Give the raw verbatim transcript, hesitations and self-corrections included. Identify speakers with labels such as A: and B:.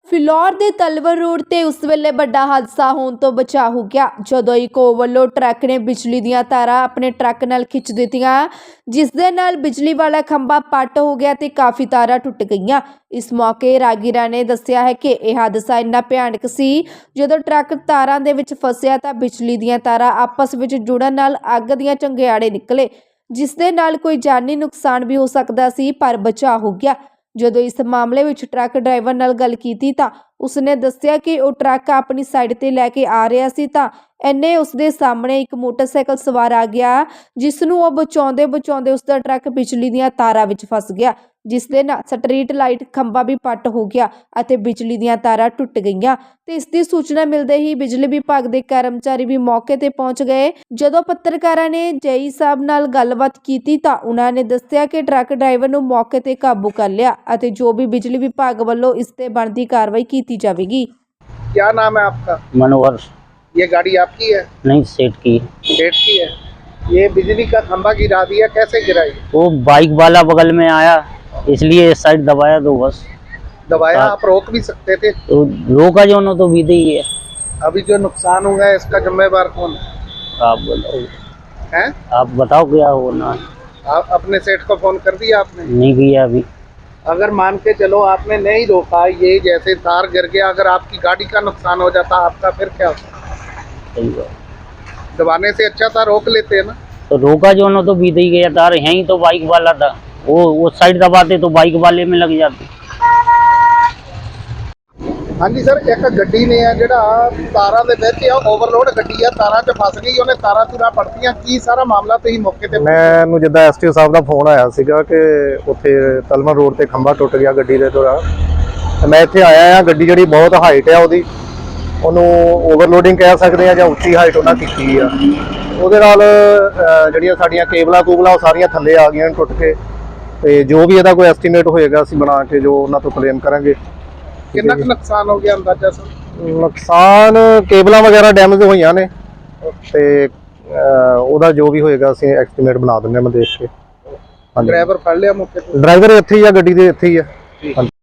A: ਫਿਲੌਰ ਦੇ ਤਲਵਰ ਰੋਡ ਤੇ ਉਸ ਵੇਲੇ ਵੱਡਾ ਹਾਦਸਾ ਹੋਣ ਤੋਂ ਬਚਾ ਹੋ ਗਿਆ ਜਦੋਂ ਇੱਕ ਓਵਰਲੋਡ ਟਰੱਕ ਨੇ ਬਿਜਲੀ ਦੀਆਂ ਤਾਰਾਂ ਆਪਣੇ ਟਰੱਕ ਨਾਲ ਖਿੱਚ ਦਿੱਤੀਆਂ, ਜਿਸ ਦੇ ਨਾਲ ਬਿਜਲੀ ਵਾਲਾ ਖੰਭਾ ਪੱਟ ਹੋ ਗਿਆ ਤੇ ਕਾਫੀ ਤਾਰਾਂ ਟੁੱਟ ਗਈਆਂ। ਇਸ ਮੌਕੇ ਰਾਗੀਰਾ ਨੇ ਦੱਸਿਆ ਹੈ ਕਿ ਇਹ ਹਾਦਸਾ ਇੰਨਾ ਭਿਆਨਕ ਸੀ, ਜਦੋਂ ਟਰੱਕ ਤਾਰਾਂ ਦੇ ਵਿੱਚ ਫਸਿਆ ਤਾਂ ਬਿਜਲੀ ਦੀਆਂ ਤਾਰਾਂ ਆਪਸ ਵਿੱਚ ਜੁੜਨ ਨਾਲ ਅੱਗ ਦੀਆਂ ਚੰਗਿਆੜੇ ਨਿਕਲੇ, ਜਿਸ ਦੇ ਨਾਲ ਕੋਈ ਜਾਨੀ ਨੁਕਸਾਨ ਵੀ ਹੋ ਸਕਦਾ ਸੀ, ਪਰ ਬਚਾਅ ਹੋ ਗਿਆ। ਜਦੋਂ ਇਸ ਮਾਮਲੇ ਵਿੱਚ ਟਰੱਕ ਡਰਾਈਵਰ ਨਾਲ ਗੱਲ ਕੀਤੀ ਤਾਂ ਉਸਨੇ ਦੱਸਿਆ ਕਿ ਉਹ ਟਰੱਕ ਆਪਣੀ ਸਾਈਡ ਤੇ ਲੈ ਕੇ ਆ ਰਿਹਾ ਸੀ ਤਾਂ ਇੰਨੇ ਉਸਦੇ ਸਾਹਮਣੇ ਇੱਕ ਮੋਟਰਸਾਈਕਲ ਸਵਾਰ ਆ ਗਿਆ, ਜਿਸ ਨੂੰ ਉਹ ਬਚਾਉਂਦੇ ਬਚਾਉਂਦੇ ਉਸਦਾ ਟਰੱਕ ਬਿਜਲੀ ਦੀਆਂ ਤਾਰਾਂ ਵਿੱਚ ਫਸ ਗਿਆ, ਜਿਸ ਦੇ ਨਾਲ ਸਟਰੀਟ ਲਾਈਟ ਖੰਭਾ ਵੀ ਪੱਟ ਹੋ ਗਿਆ ਅਤੇ ਬਿਜਲੀ ਦੀਆਂ ਤਾਰਾਂ ਟੁੱਟ ਗਈਆਂ। ਤੇ ਇਸ ਦੀ ਸੂਚਨਾ ਮਿਲਦੇ ਹੀ ਬਿਜਲੀ ਵਿਭਾਗ ਦੇ ਕਰਮਚਾਰੀ ਵੀ ਮੌਕੇ ਤੇ ਪਹੁੰਚ ਗਏ। ਜਦੋਂ ਪੱਤਰਕਾਰਾਂ ਨੇ ਜੇਈ ਸਾਹਿਬ ਨਾਲ ਗੱਲਬਾਤ ਕੀਤੀ ਤਾਂ ਉਹਨਾਂ ਨੇ ਦੱਸਿਆ ਕਿ ਟਰੱਕ ਡਰਾਈਵਰ ਨੂੰ ਮੌਕੇ ਤੇ ਕਾਬੂ ਕਰ ਲਿਆ ਅਤੇ ਜੋ ਵੀ ਬਿਜਲੀ ਵਿਭਾਗ ਵੱਲੋਂ ਇਸ ਤੇ ਬਣਦੀ ਕਾਰਵਾਈ ਕੀਤੀ ਜਾਵੇਗੀ।
B: क्या नाम है आपका?
C: मनोहर।
B: ये गाड़ी आपकी है?
C: नहीं, सेठ की।
B: सेठ की है। ये बिजली का खंभा गिरा दिया, कैसे गिराई?
C: वो बाइक वाला बगल में आया, इसलिए इस साइड दबाया तो बस
B: दबाया। आप रोक भी सकते थे।
C: तो रोका जो न तो बीते ही है।
B: अभी जो नुकसान हुआ है इसका जिम्मेवार कौन है?
C: आप बताओ
B: हैं?
C: आप बताओ क्या होना।
B: आप अपने सेठ को फोन कर दिया आपने?
C: नहीं किया अभी।
B: अगर मान के चलो आपने नहीं रोका, ये जैसे तार गिर गया, अगर आपकी गाड़ी का नुकसान हो जाता आपका फिर क्या होता?
C: सही बात।
B: दबाने से अच्छा था रोक लेते हैं ना।
C: तो रोका जो न तो बीते ही गया तार, यहीं तो बाइक वाला था, वो वो साइड दबाते तो बाइक वाले में लग जाते।
B: हाँ जी सर, एक गड्डी ने है ਜਿਹੜਾ ਤਾਰਾਂ ਦੇ ਵਿੱਚ ਆ ਓਵਰਲੋਡ ਗੱਡੀ ਆ, ਤਾਰਾਂ 'ਚ ਫਸ ਗਈ, ਉਹਨੇ ਤਾਰਾਂ ਤੁਰਾਂ ਪੜਤੀਆਂ। ਕੀ ਸਾਰਾ ਮਾਮਲਾ ਤੁਸੀਂ ਮੌਕੇ ਤੇ?
D: ਮੈਨੂੰ ਜਿੱਦਾਂ ਐਸਟੀਓ ਸਾਹਿਬ ਦਾ ਫੋਨ ਆਇਆ ਸੀਗਾ ਕਿ ਉੱਥੇ ਤਲਮਰ ਰੋਡ ਤੇ ਖੰਭਾ ਟੁੱਟ ਗਿਆ ਗੱਡੀ ਦੇ ਦੌਰਾਨ, ਤੇ ਮੈਂ ਇੱਥੇ ਆਇਆ ਆ। ਗੱਡੀ ਜਿਹੜੀ ਬਹੁਤ ਹਾਈਟ ਆ, ਉਹਦੀ ਉਹਨੂੰ ਓਵਰਲੋਡਿੰਗ ਕਹਿ ਸਕਦੇ ਆ ਜਾਂ ਉੱਚੀ ਹਾਈਟ ਉਹਨਾਂ ਕੀਤੀ ਆ। ਉਹਦੇ ਨਾਲ ਜਿਹੜੀਆਂ ਸਾਡੀਆਂ ਕੇਬਲਾਂ ਕੂਬਲਾਂ ਉਹ ਸਾਰੀਆਂ ਥੱਲੇ ਆ ਗਈਆਂ ਟੁੱਟ ਕੇ, ਤੇ ਜੋ ਵੀ ਇਹਦਾ ਕੋਈ ਐਸਟੀਮੇਟ ਹੋਏਗਾ ਅਸੀਂ ਬਣਾ ਕੇ ਜੋ ਉਹਨਾਂ ਤੋਂ ਕਲੇਮ ਕਰਾਂਗੇ।
B: ਕਿੰਨਾ ਕੁ ਨੁਕਸਾਨ ਹੋ ਗਿਆ ਅੰਦਾਜ਼ਾ ਸਰ?
D: ਨੁਕਸਾਨ ਕੇਬਲਾਂ ਵਗੈਰਾ ਡੈਮੇਜ ਹੋਈਆਂ ਨੇ, ਤੇ ਉਹਦਾ ਜੋ ਵੀ ਹੋਏਗਾ ਅਸੀਂ ਐਸਟੀਮੇਟ ਬਣਾ ਦਿੰਦੇ ਹਾਂ। ਮੈਂ ਦੇਖ ਕੇ।
B: ਡਰਾਈਵਰ ਫੜ ਲਿਆ ਮੌਕੇ ਤੇ?
D: ਡਰਾਈਵਰ ਇੱਥੇ ਹੀ ਆ, ਗੱਡੀ ਦੇ ਇੱਥੇ ਹੀ ਆ।